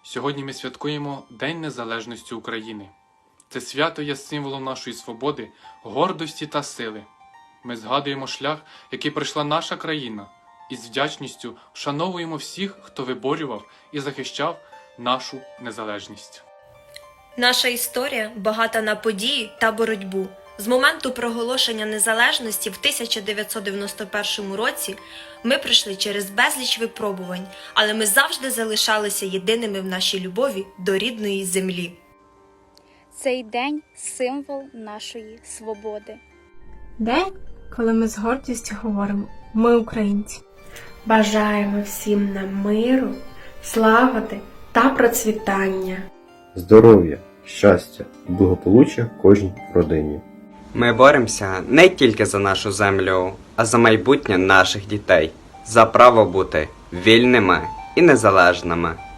Сьогодні ми святкуємо День Незалежності України. Це свято є символом нашої свободи, гордості та сили. Ми згадуємо шлях, який пройшла наша країна, і з вдячністю вшановуємо всіх, хто виборював і захищав нашу незалежність. Наша історія багата на події та боротьбу. З моменту проголошення незалежності в 1991 році ми пройшли через безліч випробувань, але ми завжди залишалися єдиними в нашій любові до рідної землі. Цей день – символ нашої свободи. День, коли ми з гордістю говоримо «Ми українці». Бажаємо всім нам миру, славити та процвітання. Здоров'я, щастя і благополуччя кожній родині. Ми боремося не тільки за нашу землю, а за майбутнє наших дітей, за право бути вільними і незалежними.